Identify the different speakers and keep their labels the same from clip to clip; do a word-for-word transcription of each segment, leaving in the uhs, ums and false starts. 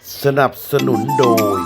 Speaker 1: สนับสนุนโดย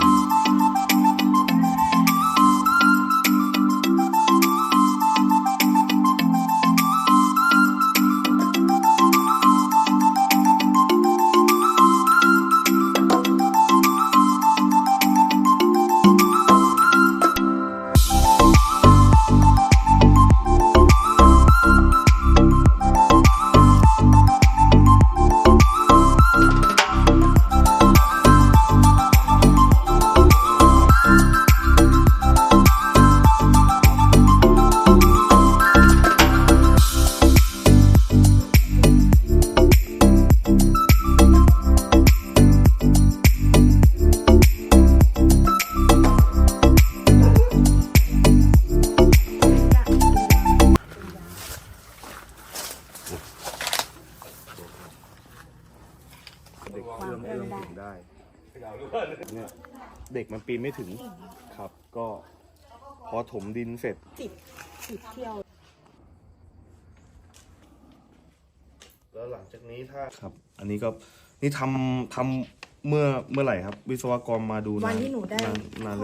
Speaker 1: เด็กเอื้อมเอื้อมถึงได้เนี่ยเด็กมันปีนไม่ถึงครับ ก็พอถมดินเสร็จติดติดเที่ยวแล้วหลังจากนี้ถ้าครับ อันนี้ก็นี่ทำทำเมื่อเมื่อไหร่ครับ วิศวกรมาดูวันที่หนูได้นานเลย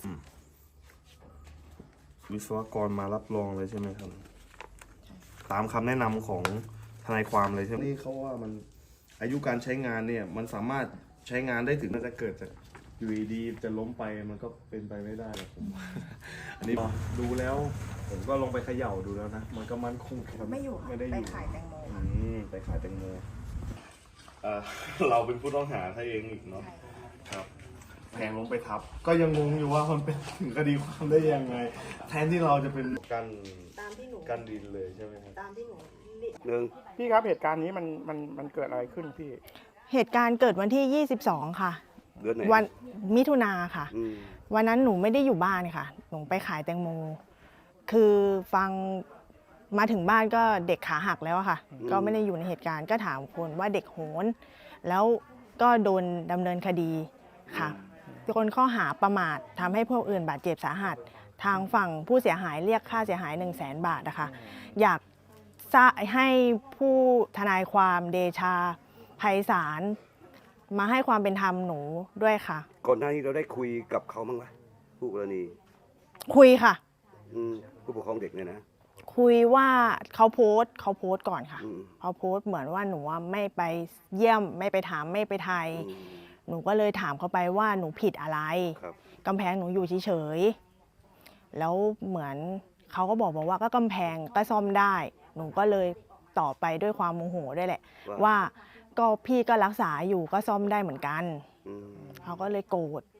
Speaker 1: วิศวกรมารับรองเลยใช่ไหมครับ ตามคำแนะนำของทนายความเลยใช่ไหมนี่เขาว่ามันอายุการใช้งานเนี่ยมันสามารถใช้งานได้ถึงน่าจะเกิดจากอยู่ดีๆจะล้มไปมันก็เป็นไปไม่ได้หรอกผม อันนี้ดูแล้วผมก็ลงไปเขย่าดูแล้วนะมันก็มั่นคงไม่อยู่ไม่ได้อยู่ไปขายแตงโมอืมไปขายแตงโมเออ เราเป็นผู้ต้องหาถ้าเองอีกเนาะครับแทงลงไปทับก็ยังงงอยู่ว่ามันเป็นถึงคดีความได้ยังไงแทนที่เราจะเป็นกันตามที่หนูกันดินเลยใช่ไหมครับตามที่หนูหนึ่ง
Speaker 2: พี่ครับเหตุการณ์นี้มันมันมันเกิดอะไรขึ้นพี่
Speaker 3: เหตุการณ์เกิดวันที่ยี่สิบสองค่ะ
Speaker 1: เดือนไหน
Speaker 3: วันมิถุนาค่ะวันนั้นหนูไม่ได้อยู่บ้านค่ะหนูไปขายแตงโมคือฟังมาถึงบ้านก็เด็กขาหักแล้วค่ะก็ไม่ได้อยู่ในเหตุการณ์ก็ถามคนว่าเด็กโหนแล้วก็โดนดำเนินคดีค่ะคนข้อหาประมาททำให้ผู้อื่นบาดเจ็บสาหัสทางฝั่งผู้เสียหายเรียกค่าเสียหายหนึ่งแสนบาทนะคะอยากให้ผู้ทนายความเดชาไพศาลมาให้ความเป็นธรรมหนูด้วยค่ะ
Speaker 1: ก่อนหน้านี้เราได้คุยกับเขาบ้างไหมผู้กรณี
Speaker 3: คุยค่ะ
Speaker 1: ผู้ปกครองเด็กเนี่ยนะ
Speaker 3: คุยว่าเขาโพสต์เขาโพสต์ก่อนค่ะเขาโพสต์เหมือนว่าหนูไม่ไปเยี่ยมไม่ไปถามไม่ไปไทยหนูก็เลยถามเขาไปว่าหนูผิดอะไรกำแพงหนูอยู่เฉยๆแล้วเหมือนเขาก็บอกบอกว่าก็กำแพงก็ซ่อมได้หนูก็เลยต่อไปด้วยความโมโหด้วยแหละว่าก็พี่ก็รักษาอยู่ก็ซ่อมได้เหมือนกันเขาก็เลยโกรธ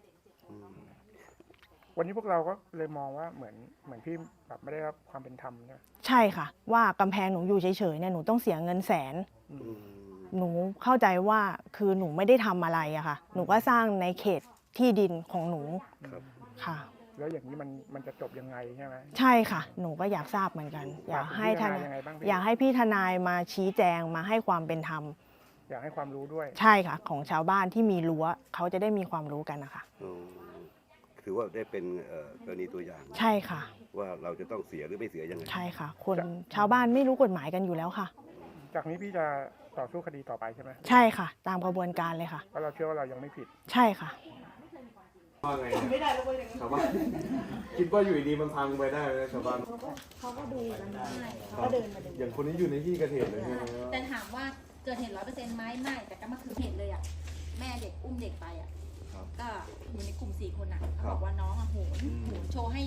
Speaker 2: วันนี้พวกเราก็เลยมองว่าเหมือนเหมือนพี่แบบไม่ได้รับความเป็นธรรมนะ
Speaker 3: ใช่ค่ะว่ากำแพงหนูอยู่เฉยๆเนี่ยหนูต้องเสียเงินแสนหนูเข้าใจว่าคือหนูไม่ได้ทำอะไรอะค่ะหนูก็สร้างในเขตที่ดินของหนูค่ะ
Speaker 2: แล้วอย่างนี้มันมันจะจบยังไงใช่ไหม
Speaker 3: ใช่ค่ะหนูก็อยากทราบเหมือนกันอยากให้ทนายอยากให้พี่ทนายมาชี้แจงมาให้ความเป็นธรรม
Speaker 2: อยากให้ความรู้ด้วย
Speaker 3: ใช่ค่ะของชาวบ้านที่มีรั้วเขาจะได้มีความรู้กันนะคะ
Speaker 1: ถือว่าได้เป็นกรณีตัวอย่าง
Speaker 3: ใช่ค่ะ
Speaker 1: ว่าเราจะต้องเสียหรือไม่เสียยังไง
Speaker 3: ใช่ค่ะคนชาวบ้านไม่รู้กฎหมายกันอยู่แล้วค่ะ
Speaker 2: จากนี้พี่จะต่อสู้คดีต่อไปใช่ไหม
Speaker 3: ใช่ค่ะตามกระบวนการเลยค่ะ
Speaker 2: เพราะเราเชื่อว่าเรายังไม่ผิด
Speaker 3: ใช่ค่ะ
Speaker 2: ว่าไงชาวบ้านคิดว่าอยู่ดีมันพังไปได้ไหมชาวบ้าน
Speaker 4: เขาก็ดูกันได้เขาก็เดินมาดู
Speaker 2: อย่างคนนี้อยู่ในที่เกิดเหตุเลย
Speaker 4: แต่ถามว่าเกิดเหตุร้อยเปอร์เซ็นต์ไหมไม่แต่ก็มาคือเหตุเลยอ่ะแม่เด็กอุ้มเด็กไปอ่ะก็อยู่ในกลุ่มสี่คนอ่ะเขาบอกว่าน้องอ่ะโหนโหนโชว์ให้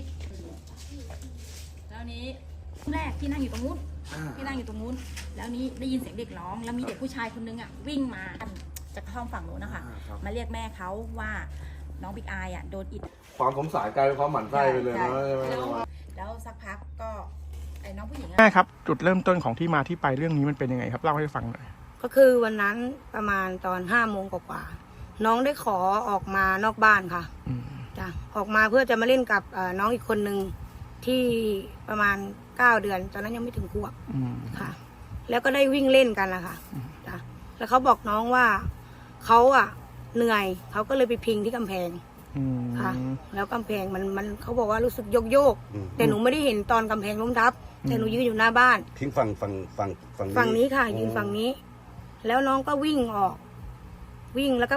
Speaker 4: แล้วนี้แรกที่นั่งอยู่ตรงนู้นที่นั่งอยู่ตรงนู้นแล้วนี้ได้ยินเสียงเด็กร้องแล้วมีเด็กผู้ชายคนนึงอ่ะวิ่งมาจากห้องฝั่งนู้นนะคะมาเรียกแม่เขาว่าน้องบิ๊กอายอ่ะโดนอิด
Speaker 2: ความสงสารกลายเป็นความหมั่นไส้ไปเลยนะ
Speaker 4: แล้วสักพักก็ไอ้น้องผู้หญิง
Speaker 2: แม่ครับจุดเริ่มต้นของที่มาที่ไปเรื่องนี้มันเป็นยังไงครับเล่าให้ฟังหน่อย
Speaker 5: ก็คือวันนั้นประมาณตอนห้าโมงกว่าน้องได้ขอออกมานอกบ้านค่ะจ้ะออกมาเพื่อจะมาเล่นกับน้องอีกคนนึงที่ประมาณเก้าเดือนตอนนั้นยังไม่ถึงขวบค่ะแล้วก็ได้วิ่งเล่นกันละค่ะจ้ะแล้วเขาบอกน้องว่าเขาอ่ะเหนื่อยเขาก็เลยไปพิงที่กำแพงค่ะแล้วกำแพงมันมันเขาบอกว่ารู้สึกโยกโยกแต่หนูไม่ได้เห็นตอนกำแพงล้มทับแต่หนูยืนอยู่หน้าบ้าน
Speaker 1: ทิ้งฝั่งฝั่งฝั่ง
Speaker 5: ฝั่งนี้ค่ะยืนฝั่งนี้แล้วน้องก็วิ่งออกวิ่งแล้วก็ผลัก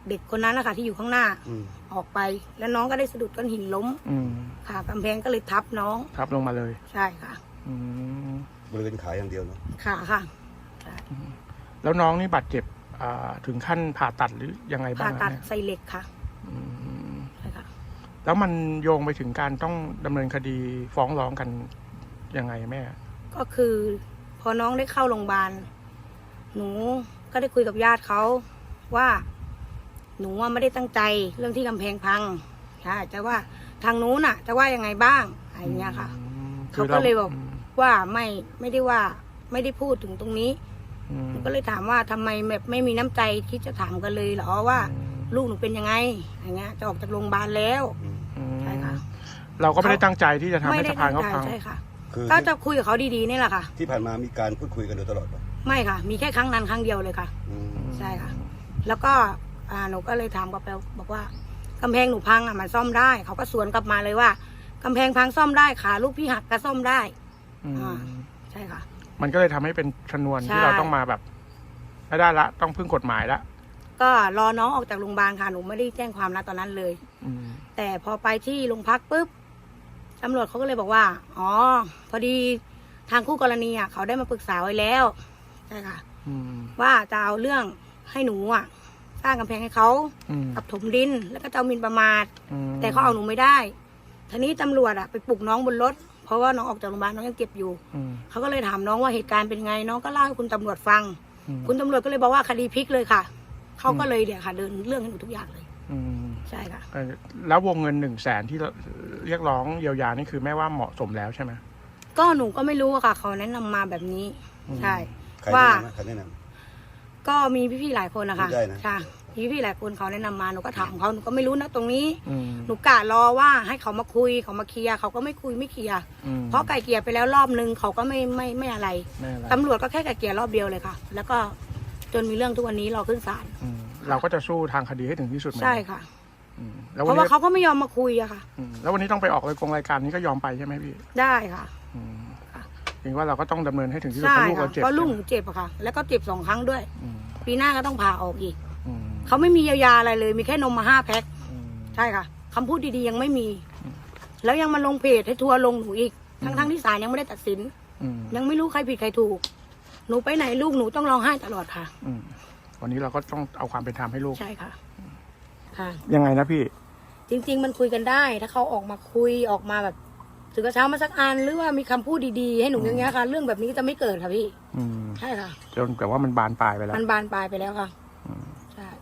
Speaker 5: เด็กคนนั้นนะคะที่อยู่ข้างหน้า
Speaker 6: อืม
Speaker 5: ออกไป แล้วน้องก็ได้สะดุดก้อนหินล้ม
Speaker 7: อืม
Speaker 5: ค่ะกำแพงก็เลยทับน้อง
Speaker 7: ทับลงมาเลย
Speaker 5: ใช่ค่ะ
Speaker 7: อืม
Speaker 6: บริเวณขาอย่างเดียวเนาะ
Speaker 5: ขาค่ะ
Speaker 7: แล้วน้องนี่บาดเจ็บอ่าถึงขั้นผ่าตัดหรือยังไงบ้า
Speaker 5: ผ่าง ตัด
Speaker 7: อะแม่
Speaker 5: ใส่เหล็กค่ะ
Speaker 7: อืม
Speaker 5: ใช่ค่ะ
Speaker 7: แล้วมันโยงไปถึงการต้องดำเนินคดีฟ้องร้องกันยังไงแม่
Speaker 5: ก็คือ พอน้องได้เข้าโรงพยาบาลหนูก็ได้คุยกับญาติเขาว่า หนูว่าไม่ได้ตั้งใจเรื่องที่กำแพงพังใช่แต่ว่าทางนู้นน่ะ จะว่ายังไงบ้างอะไรอย่างเงี้ยค่ะ
Speaker 7: อืม
Speaker 5: เขา
Speaker 7: คื
Speaker 5: ก็
Speaker 7: ร
Speaker 5: เลยบอก
Speaker 7: ม
Speaker 5: ว่าไม่ไม่ได้ว่าไม่ได้พูดถึงตรงนี้
Speaker 7: อืม
Speaker 5: หนูก็เลยถามว่าทำไมแบบไม่มีน้ำใจคิดจะถามกันเลยเหรอว่า ลูกหนูเป็นยังไงอย่างเงี้ยจะออกจากโรงพยาบาลแล้ว
Speaker 7: อืม
Speaker 5: ใช่ค่ะ
Speaker 7: เราก็ไม่ได้ตั้งใจที่จะทำ
Speaker 5: ไม่
Speaker 7: ให้
Speaker 5: ได้
Speaker 7: สะพานเขา
Speaker 5: ตั้งใจ
Speaker 7: พัง
Speaker 5: ใช่ค่ะ
Speaker 6: คือ
Speaker 5: ก็จะคุยกับเขาดีๆนี่แหละค่ะ
Speaker 6: ที่ผ่านมามีการพูดคุยกันโดยตลอดป่ะ
Speaker 5: ไม่ค่ะ มีแค่ครั้งนั้นครั้งเดียวเลยค่ะ
Speaker 6: อืม
Speaker 5: ใช่ค่ะ แล้วก็อ่าหนูก็เลยถามกับแปลบอกว่ากำแพงหนูพังอ่ะมันซ่อมได้ เขาก็สวนกลับมาเลยว่ากำแพงพังซ่อมได้ขาลูกพี่หักก็ซ่อมได้
Speaker 7: อืม
Speaker 5: อ่า ใช่ค่ะ
Speaker 7: มันก็เลยทำให้เป็นชนวน
Speaker 5: ใช่
Speaker 7: ที่เราต้องมาแบบไม่ได้ละต้องพึ่งกฎหมายละ
Speaker 5: ก็รอน้องออกจากโรงพยาบาลค่ะหนูไม่ได้แจ้งความนะตอนนั้นเลย
Speaker 7: อืม
Speaker 5: แต่พอไปที่โรงพักปุ๊บตำรวจเขาก็เลยบอกว่า อ๋อ พอดีทางคู่กรณีอ่ะเขาได้มาปรึกษาไว้แล้วใช่ค่ะ
Speaker 7: อืม
Speaker 5: ว่าจะเอาเรื่องให้หนูอ่ะ สร้างกำแพงให้เขา
Speaker 7: อืม
Speaker 5: กับถมดินแล้วก็เจ้าหมินประมาท
Speaker 7: อืม
Speaker 5: แต่เขาเอาหนูไม่ได้ ทีนี้ตำรวจอ่ะไปปลุกน้องบนรถ เพราะว่าน้องออกจากโรงพยาบาลน้องยังเจ็บอยู่
Speaker 7: อืม
Speaker 5: เขาก็เลยถามน้องว่าเหตุการณ์เป็นไง น้องก็เล่าให้คุณตำรวจฟัง
Speaker 7: อืม
Speaker 5: คุณตำรวจก็เลยบอกว่าคดีพลิกเลยค่ะ เขาก็เลยเดี๋ยวค่ะ เดินเรื่องให้หนูทุกอย่างเลย
Speaker 7: อืม
Speaker 5: ใช่ค่ะ
Speaker 7: เอ่อแล้ววงเงินหนึ่งแสนที่เรียกร้องเยียวยานี่คือแม่ว่าเหมาะสมแล้วใช่ไหม
Speaker 5: ก็หนูก็ไม่รู้อะค่ะ เขาแนะนำมาแบบนี้
Speaker 7: อืม
Speaker 5: ใช่
Speaker 6: ใคร
Speaker 5: ว่า
Speaker 6: แนะนำนะใครแนะน
Speaker 5: ก็มีพี่ๆหลายคนนะคะ
Speaker 6: ได้นะ
Speaker 5: ค่ะมีพี่ๆหลายคนเขาแนะนำมาหนูก็ถามเขาหนูก็ไม่รู้นะตรงนี้
Speaker 7: อืม
Speaker 5: หนูกะรอว่าให้เขามาคุยเขามาเคลียร์เขาก็ไม่คุยไม่เคลียร์
Speaker 7: อืม
Speaker 5: เพราะไก่เกลียร์ไปแล้วรอบนึงเขาก็ไม่ไม่ไม่อะไร
Speaker 7: แม่อะไร
Speaker 5: ตำรวจก็แค่ไก่เกลียร์รอบเดียวเลยค่ะ แล้วก็จนมีเรื่องทุกวันนี้รอขึ้นศาล
Speaker 7: อืมเราก็จะสู้ทางคดีให้ถึงที่สุดไหม
Speaker 5: ใช่ค่ะ
Speaker 7: อืมแล้ว
Speaker 5: เพ
Speaker 7: วัน
Speaker 5: ราะว่า
Speaker 7: นี้
Speaker 5: เขาก็ไม่ยอมมาคุยอะค่ะ
Speaker 7: อืมแล้ววันนี้ต้องไปออกรายกงรายการนี้ก็ยอมไปใช่ไหมพี่
Speaker 5: ได้ค่ะ
Speaker 7: อืม
Speaker 5: ค่ะ
Speaker 7: ถึงว่าเราก็ต้องดำเนินให้ถึงที่สุด
Speaker 5: ใช่
Speaker 7: เพราะลูก
Speaker 5: ค่ะ
Speaker 7: เราเจ็บ
Speaker 5: เพราะลูกหนูเจ็บอะค่ะ แล้วก็เจ็บสองครั้งด้วย
Speaker 7: อืม
Speaker 5: ปีหน้าก็ต้องผ่าออกอีก
Speaker 7: อืม
Speaker 5: เขาไม่มีเยียวยาอะไรเลย มีแค่นมมาห้าแพ็ค
Speaker 7: อืม
Speaker 5: ใช่ค่ะคำพูดดีๆยังไม่มี แล้วยังมาลงเพจให้ทัวร์ลงหนูอีก ทั้งๆที่ศาลยังไม่ได้ตัดสิน
Speaker 7: อืม
Speaker 5: ยังไม่รู้ใครผิดใครถูก หนูไปไหนลูกหนูต้องร้องไห้ตลอดค่ะ
Speaker 7: อืมวันนี้เราก็ต้องเอาความเป็นธรรมให้ลูก
Speaker 5: ใช่ค่ะ ค่ะ
Speaker 7: ยังไงนะพี่
Speaker 5: จริง ๆ มันคุยกันได้ ถ้าเขาออกมาคุยออกมาแบบถือกระเช้ามาสักอันหรือว่ามีคำพูดดีๆให้หนูอย่างเงี้ยค่ะ เรื่องแบบนี้จะไม่เกิดค่ะพี่
Speaker 7: อืม
Speaker 5: ใช่ค่ะ
Speaker 7: จนแต่ว่ามันบานปลายไปแล้ว
Speaker 5: มันบานปลายไปแล้วค่ะ
Speaker 7: อืม
Speaker 5: ใช่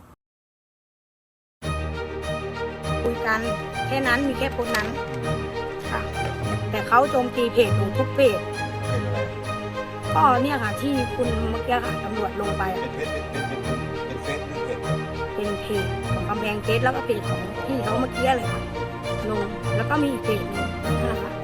Speaker 5: คุยกันแค่นั้นมีแค่โพสต์นั้นค่ะ แต่เขาโจมตีเพจหนูทุกเพจ
Speaker 6: ำเป็นอะไร
Speaker 5: ก็เนี่ยค่ะ ที่คุณเมื่อกี้ค่ะตำรวจลงไป
Speaker 6: เป็นเฟซเป็นเป็นเป็นเฟซหรือเพจ
Speaker 5: เป็นเพจของกำแพงเพชรแล้วก็เพจของพี่เขาเมื่อกี้เลยค่ะลงแล้วก็มีอีกเพจหนึงนั่นแหละค่ะ